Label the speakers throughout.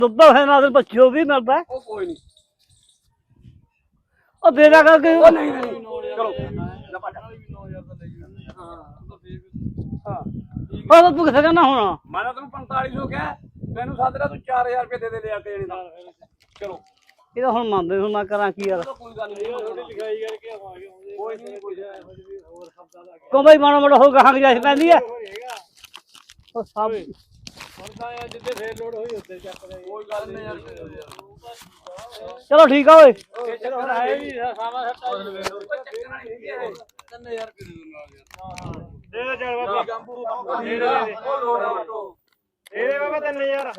Speaker 1: ਦੁੱਧ ਹੈ ਨਾਲ ਬੱਚਿਓ ਵੀ ਮਿਲਦਾ
Speaker 2: ਉਹ ਕੋਈ ਨਹੀਂ
Speaker 1: ਉਹ ਦੇ ਦਿਆ ਕਰਕੇ
Speaker 2: ਉਹ ਨਹੀਂ ਚਲੋ
Speaker 1: ਉਹ ਤੂੰ ਕਿੱਥੇ ਕਹਿੰਦਾ ਹੁਣ
Speaker 2: ਮੈਂ ਤਾਂ ਤੈਨੂੰ 4500 ਕਿਹਾ ਮੈਨੂੰ ਸਾਦਰਾ ਤੂੰ 4000 ਰੁਪਏ ਦੇ ਲਿਆ ਕੇ ਦਾ ਚਲੋ
Speaker 1: ਇਹ ਤਾਂ ਹੁਣ ਮੰਨਦੇ ਹੁਣ ਮੈਂ ਕਰਾਂ ਕੀ ਯਾਰ
Speaker 2: ਕੋਈ ਗੱਲ ਨਹੀਂ ਲਿਖਾਈ ਕਰਕੇ ਕੋਈ ਨਹੀਂ ਕੋਈ ਹੋਰ ਸ਼ਬਦਾਂ ਦਾ
Speaker 1: ਕੋ ਬਈ ਮਾੜਾ ਮੋਟਾ ਹੋ ਗਾਹਾਂ ਜਾਇ ਪੈਂਦੀ ਹੈ ਉਹ ਸਭ
Speaker 2: ਆ ਜਿੱਦੇ ਫੇਰ ਲੋਡ ਹੋਈ ਉੱਤੇ ਚੱਕਦੇ ਕੋਈ ਗੱਲ ਨਹੀਂ ਯਾਰ
Speaker 1: ਚਲੋ ਠੀਕ ਆ ਓਏ
Speaker 2: ਚਲੋ ਹੈ ਵੀ ਸਾਵਾ ਸੱਟਾ 3000 ਰੁਪਏ ਦੇ ਦੋ ਚੱਲ ਬਾਬਾ ਗੰਬੂ ਇਹਦੇ ਬਾਬਾ 3000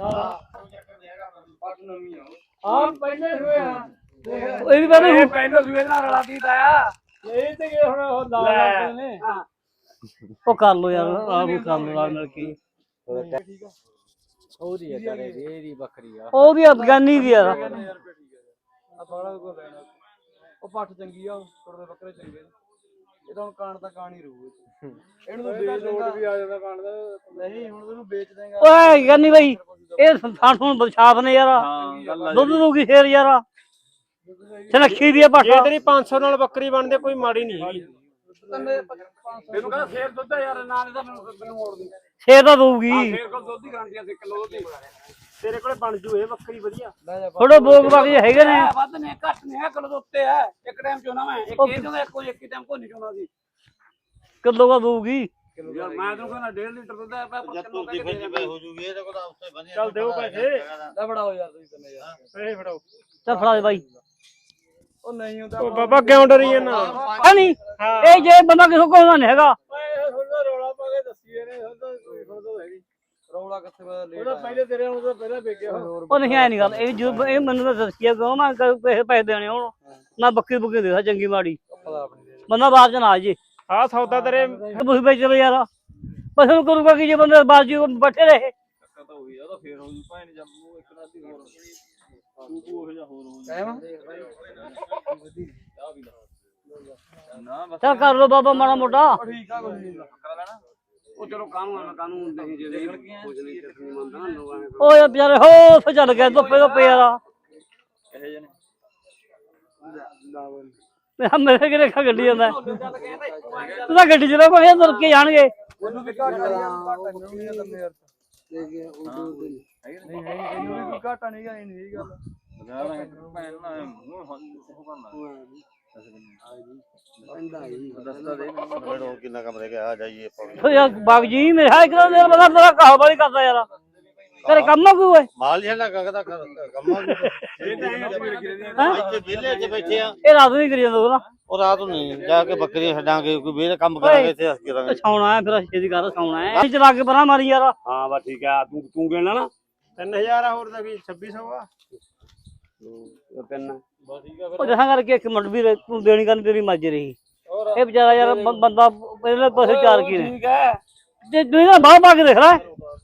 Speaker 2: ਹਾਂ ਪਹਿਲੇ ਹੋਏ ਆ
Speaker 1: ਇਹ ਵੀ ਕਹਿੰਦੇ
Speaker 2: ਇਹ ਪਹਿਲੇ ਸੂਏ ਨਾਲ ਰਲਾ ਦਿੱਤਾ ਆ ਇਹ ਤੇ ਹੁਣ ਉਹ ਲਾ ਨੇ
Speaker 1: ਉਹ ਕਰ ਲੋ ਯਾਰ ਆਹ ਵੀ ਕਰ ਲੋ ਨਾਲ ਕੀ
Speaker 2: ਉਹਦੀ ਹੈ ਤੇਰੇ ਇਹਦੀ ਬੱਕਰੀ ਆ
Speaker 1: ਉਹਦੀ ਅਫਗਾਨੀ ਦੀ ਯਾਰ
Speaker 2: ਆ ਬਾਲਾ ਕੋ ਲੈਣਾ ਉਹ ਪੱਠ ਚੰਗੀ ਆ ਕੁੜਦੇ ਬੱਕਰੇ ਚੰਗੇ ਇਹ ਤਾਂ ਹੁਣ ਕਾਣ ਤਾਂ ਕਾਣ ਹੀ ਰਹੂ ਇਹਨੂੰ ਤਾਂ ਵੇਚ ਦੇਗਾ ਵੀ ਆ ਜਾਂਦਾ ਕਾਣ ਦਾ ਨਹੀਂ ਹੁਣ ਤੈਨੂੰ ਵੇਚ ਦੇਗਾ
Speaker 1: ਓਏ ਗੰਨੀ ਬਈ ਇਹ ਸਾਨੂੰ ਬਸ਼ਾਫ ਨੇ ਯਾਰ ਦੁੱਧ ਦੂਗੀ ਸ਼ੇਰ ਯਾਰ ਸਨੱਖੀ ਦੀ ਪੱਠ
Speaker 2: ਜੇ ਤੇਰੀ 500 ਨਾਲ ਬੱਕਰੀ ਬਣਦੇ ਕੋਈ ਮਾੜੀ ਨਹੀਂ ਹੈਗੀ ਇਹਨੂੰ ਕਹਿੰਦਾ ਸ਼ੇਰ ਦੁੱਧ ਯਾਰ ਨਾਲ ਇਹਦਾ ਮੈਨੂੰ ਮੋੜ ਦੇ
Speaker 1: ਸ਼ੇਰ ਤਾਂ ਦਊਗੀ
Speaker 2: ਸ਼ੇਰ ਕੋਲ ਦੁੱਧ ਦੀ ਗਾਰੰਟੀ ਆ 1 ਕਿਲੋ ਦੁੱਧ ਤੇਰੇ ਕੋਲੇ ਬਣ ਜੂ ਇਹ ਬੱਕਰੀ ਵਧੀਆ
Speaker 1: ਥੋੜੇ ਬੋਗ ਬਾਕੀ ਹੈਗੇ ਨੇ
Speaker 2: ਵੱਧ ਨੇ ਘੱਟ ਨੇ ਕਿਲੋ ਦੇ ਉੱਤੇ ਹੈ ਇੱਕ ਟਾਈਮ ਚੋਣਾ ਮੈਂ ਇੱਕ ਇਹ ਚੋਣਾ ਇੱਕ ਹੀ ਟਾਈਮ ਕੋਈ ਨਹੀਂ ਚੋਣਾ ਸੀ
Speaker 1: ਕਿਲੋ ਦਾ ਦਊਗੀ
Speaker 2: ਯਾਰ ਮੈਂ ਤੈਨੂੰ ਕਹਿੰਦਾ 1.5 ਲੀਟਰ ਦੁੱਧ ਹੈ ਪਰ ਕਿਲੋ ਕਹਿ ਕੇ
Speaker 3: ਹੋ ਜੂਗੀ ਇਹ ਤਾਂ ਕੋਲ ਉਸੇ ਬੰਦੇ
Speaker 2: ਚੱਲ ਦਿਓ ਪੈਸੇ ਲੈ ਫੜਾਓ ਯਾਰ ਤੁਸੀਂ ਤੰਨੇ ਯਾਰ ਪੈਸੇ ਫੜਾਓ
Speaker 1: ਚੱਲ ਫੜਾ ਦੇ ਬਾਈ
Speaker 2: ਉਹ ਨਹੀਂ ਹੁੰਦਾ ਉਹ ਬਾਬਾ ਕਿਉਂ ਡਰੀ ਜਾਂਦਾ
Speaker 1: ਹੈ ਨਹੀਂ ਇਹ ਜੇ ਬੰਦਾ ਕਿਸੇ ਕੋਲ ਨਹੀਂ ਹੈਗਾ
Speaker 2: ਥੋੜਾ ਰੌਲਾ ਪਾ ਕੇ ਦੱਸੀ ਇਹਨੇ ਥੋੜਾ ਹੈਗੀ ਰੌਲਾ ਕਿੱਥੇ ਪਤਾ ਲੇਟ ਉਹਦਾ ਪਹਿਲੇ ਤੇਰੇ ਨੂੰ ਤਾਂ ਪਹਿਲਾਂ ਵੇਖਿਆ
Speaker 1: ਉਹ ਨਹੀਂ ਐ ਨਹੀਂ ਗੱਲ ਇਹ ਜਦੋਂ ਇਹ ਮੈਨੂੰ ਤਾਂ ਦੱਸਿਆ ਕਿਉਂ ਮੈਂ ਪੈਸੇ ਦੇਣੇ ਹੁਣ ਮੈਂ ਬੱਕਰੀ ਬੁੱਕੀ ਦੇਦਾ ਚੰਗੀ ਮਾੜੀ ਬੰਦਾ ਬਾਅਦ ਚ ਨਾ ਜੇ
Speaker 2: ਆਹ ਸੌਦਾ ਤੇਰੇ
Speaker 1: ਤੁਸੀਂ ਵੇਚ ਲਓ ਯਾਰ ਪਸੰਦ ਨੂੰ ਕਰੂਗਾ ਕਿ ਜੇ ਬੰਦੇ ਬਾਜੀ ਬੈਠੇ ਰਹੇ
Speaker 2: ਤਾਂ ਹੋਈ ਆ ਤਾਂ ਫੇਰ ਹੋ ਜੂ ਭਾਂ ਜੰਮੂ ਇੱਕ ਰਾਤੀ ਹੋਰ ਉਹ ਜਿਹਾ ਹੋਰ ਹੋ ਜਾਏਗਾ ਨਾ ਬਸ
Speaker 1: ਚੱਲ ਕਰ ਲੋ ਬਾਬਾ ਮਾੜਾ ਮੋਟਾ
Speaker 2: ਠੀਕ ਆ ਕੋਈ ਨਹੀਂ ਕਰ ਲੈਣਾ ਉਹ ਚਲੋ ਕਾਨੂੰਨ ਨਹੀਂ ਜੇ ਕੁਝ ਨਹੀਂ ਚੱਕਣੀ ਮੰਨਦਾ ਨਾ ਲੋਕਾਂ
Speaker 1: ਓਏ ਵਿਚਾਰੇ ਹੋ ਫੇ ਚੱਲ ਗਏ ਧੁੱਪੇ ਯਾਰ
Speaker 2: ਇਹ ਜਨੇ
Speaker 1: ਮੇਰੇ ਕਿਹੜੇ ਖਾ ਗੱਡੀ ਜਾਂਦਾ ਤੂੰ ਤਾਂ ਗੱਡੀ ਚਲਾ ਕੋਈ ਤੁਰ ਕੇ ਜਾਣਗੇ
Speaker 2: ਉਹਨੂੰ ਵੀ ਘਾਟਾ ਨਹੀਂ ਯਾਰ ਨਹੀਂ ਇਹਨੂੰ ਵੀ ਘਾਟਾ ਨਹੀਂ ਗਾ ਇਹ ਗੱਲ ਭੈਣ ਨਾਲ ਦੱਸਦਾ ਦੇ
Speaker 3: ਮੈਨੂੰ ਕਿੰਨਾ ਕੰਮ ਰਹਿ ਗਿਆ ਆ ਜਾਈਏ
Speaker 1: ਓ ਯਾਰ ਬਾਗ ਜੀ ਮੇਰਾ ਇੱਕ ਦਿਨ ਬੰਦਾ ਤੇਰਾ ਕਹਾ ਵਾਲੀ ਕਰਦਾ ਯਾਰ ਤੇਰੇ ਕੰਮ ਨਾ ਕੋਈ ਓਏ
Speaker 3: ਮਾਲ ਜਿਹੜਾ ਗਗਦਾ ਕੰਮਾਂ ਇੱਥੇ ਵਿਹਲੇ ਤੇ ਬੈਠੇ ਆ
Speaker 1: ਇਹ ਰਾਤ ਨੂੰ ਹੀ ਕਰੀ ਜਾਂਦਾ ਨਾ
Speaker 3: ਉਹ ਰਾਤ ਨੂੰ ਨਹੀਂ ਜਾ ਕੇ ਬੱਕਰੀਆਂ ਛੱਡਾਂਗੇ ਕੋਈ ਵੇਲੇ ਕੰਮ ਕਰਾਂਗੇ ਇੱਥੇ ਹੱਸ ਕੇ ਕਰਾਂਗੇ
Speaker 1: ਛਾਉਣਾ ਹੈ ਫਿਰ ਛੇਤੀ ਕਰ ਛਾਉਣਾ ਹੈ ਚਲਾ ਕੇ ਪਰਾਂ ਮਾਰੀ ਯਾਰ
Speaker 2: ਹਾਂ ਬਸ ਠੀਕ ਆ ਤੂੰ ਗਿਣਨਾ ਨਾ 3000 ਆ ਹੋਰ ਦਾ ਕੀ 2600 ਆ ਤਿੰਨ ਬਸ ਠੀਕ ਆ
Speaker 1: ਉਹ ਜਹਾਂ ਕਰਕੇ ਇੱਕ ਮਿੰਟ ਵੀ ਤੂੰ ਦੇਣੀ ਕਰਨ ਤੇਰੀ ਮੱਜ ਰਹੀ ਇਹ ਵਿਚਾਰਾ ਯਾਰ ਬੰਦਾ ਪਹਿਲੇ ਪਾਸੇ ਚਾਰ ਕੀ ਨੇ
Speaker 2: ਠੀਕ ਹੈ
Speaker 1: ਤੇ ਤੂੰ ਬਾਹ ਪਾ ਕੇ ਦੇਖ ਲੈ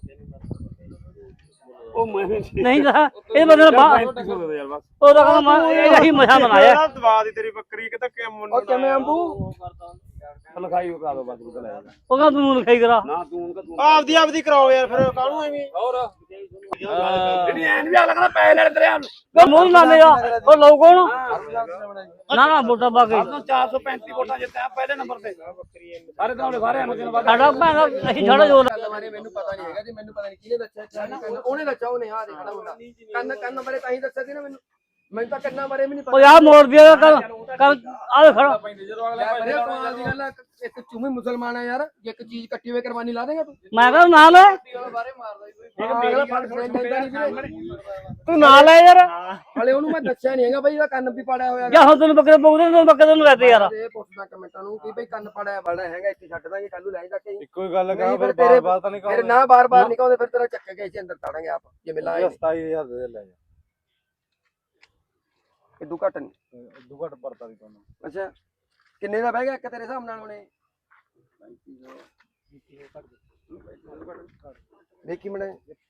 Speaker 2: ਉਹ ਮੈਂ
Speaker 1: ਨਹੀਂ ਤਾਂ ਇਹ ਬੰਦੇ ਨੇ ਬਾਹ
Speaker 2: ਯਾਰ ਬਸ
Speaker 1: ਉਹਦਾ ਕਹਿੰਦਾ ਮੈਂ ਇਹੀ ਮਜ਼ਾ ਬਣਾਇਆ
Speaker 2: ਦਵਾ ਦੀ ਤੇਰੀ ਬੱਕਰੀ ਕਿਤੇ ਕਿ ਮੁੰਡਾ ਕਿਵੇਂ ਅੰਬੂ ਲਖਾਈ ਉਹ ਕਰਾ ਦੋ ਬਸ ਲੈ
Speaker 1: ਉਹ ਕਹਿੰਦਾ ਤੂੰ ਲਿਖਾਈ ਕਰਾ
Speaker 2: ਨਾ ਤੂੰ ਆਪਦੀ ਕਰਾਓ ਯਾਰ ਫਿਰ ਕਾਹਨੂੰ ਐਵੇਂ ਹੋਰ ਜਿਹੜੀ ਐਨ ਵੀ ਆ ਲੱਗਦਾ ਪੈਸੇ ਲੈਣ ਤੇਰੇ ਹਨ
Speaker 1: ਉਹ ਮੂੰਹ ਨਾ ਮੇਰਾ ਉਹ ਲਓ ਕੌਣ ਨਾ ਨਾ ਵੋਟਾਂ ਪਾ ਕੇ
Speaker 2: 435 ਵੋਟਾਂ ਜਿੱਤਿਆ ਪਹਿਲੇ ਨੰਬਰ ਤੇ ਸਾਰੇ ਤਾਂ ਸਾਰੇ ਨੂੰ ਦਿਨ ਬਾਅਦ
Speaker 1: ਸਾਡਾ ਭੈਣਾ ਅਸੀਂ ਛੜਾ ਜੋਰ
Speaker 4: ਬਾਰੇ ਮੈਨੂੰ ਪਤਾ ਨਹੀਂ ਹੈਗਾ ਜੀ ਮੈਨੂੰ ਪਤਾ ਨਹੀਂ ਕਿਹਨੇ ਦੱਸਿਆ ਉਹਨੇ ਦੱਸਿਆ ਉਹਨੇ ਆ ਦੇਖਣਾ ਮੁੰਡਾ ਕੰਨ ਬਾਰੇ ਤਾਂ ਹੀ ਦੱਸਿਆ ਸੀ ਨਾ ਮੈਨੂੰ ਤਾਂ ਕੰਨਾਂ ਬਾਰੇ ਵੀ ਨਹੀਂ
Speaker 1: ਉਹ ਯਾਰ ਮੋੜ ਦਿਆ ਕਰ ਆਹ ਖੜਾ
Speaker 4: ਕਮਾਲ ਦੀ ਗੱਲ ਆ ਇੱਕ ਚੂਮੀ ਮੁਸਲਮਾਨ ਆ ਯਾਰ ਜੇ ਇੱਕ ਚੀਜ਼ ਕੱਟੀ ਹੋਈ ਕੁਰਬਾਨੀ ਲਾ ਦੇਗਾ ਤੂੰ
Speaker 1: ਮੈਂ ਕਹਿੰਦਾ ਨਾਲ ਹੈ
Speaker 4: ਬਾਰੇ ਮਾਰਦਾ
Speaker 1: ਤੂੰ ਨਾਲ ਹੈ ਯਾਰ
Speaker 4: ਹਲੇ ਉਹਨੂੰ ਮੈਂ ਦੱਸਿਆ ਨਹੀਂ ਹੈਗਾ ਬਈ ਇਹਦਾ ਕੰਨ ਵੀ ਪਾੜਿਆ ਹੋਇਆ
Speaker 1: ਜਾਂ ਹੁਣ ਤੈਨੂੰ ਬੱਕਰੇ ਪੋਗਦੇ ਤੈਨੂੰ ਬੱਕਰੇ ਨੂੰ ਲੈਤੇ ਯਾਰ
Speaker 4: ਇਹ ਪੁੱਛਦਾ ਕਮੈਂਟਾਂ ਨੂੰ ਕਿ ਬਈ ਕੰਨ ਪਾੜਿਆ ਵਾਲਾ ਹੈਗਾ ਇੱਥੇ ਛੱਡ ਦਾਂਗੇ ਕੱਲੂ ਲੈ ਜਾ ਕੇ
Speaker 2: ਇੱਕੋ ਹੀ ਗੱਲ ਕਹਾਂ
Speaker 4: ਫਿਰ
Speaker 2: ਫਿਰ ਬਾਰ ਤਾਂ ਨਹੀਂ
Speaker 4: ਫਿਰ ਨਾ ਬਾਰ-ਬਾਰ ਨਹੀਂ ਕਹਿੰਦੇ ਫਿਰ ਤੇਰਾ ਚੱਕ ਕੇ ਇੱਥੇ ਅੰਦਰ ਤਾੜਾਂਗੇ ਆਪ ਜੇ ਮਿਲਾਂਗੇ
Speaker 2: 27000 ਦੇ ਲੈ ਜਾ
Speaker 4: ਇਦੂ ਘੱਟ ਨਹੀਂ
Speaker 2: ਇਦੂ ਘੱਟ ਪਰਤਾ ਵੀ ਤੁਹਾਨੂੰ
Speaker 4: ਅੱਛਾ ਕਿੰਨੇ ਦਾ ਬਹਿ ਗਿਆ ਇੱਕ ਤੇਰੇ ਹਿਸਾਬ ਨਾਲ ਹੁਣੇ ਦੇਖੀ ਮਣੇ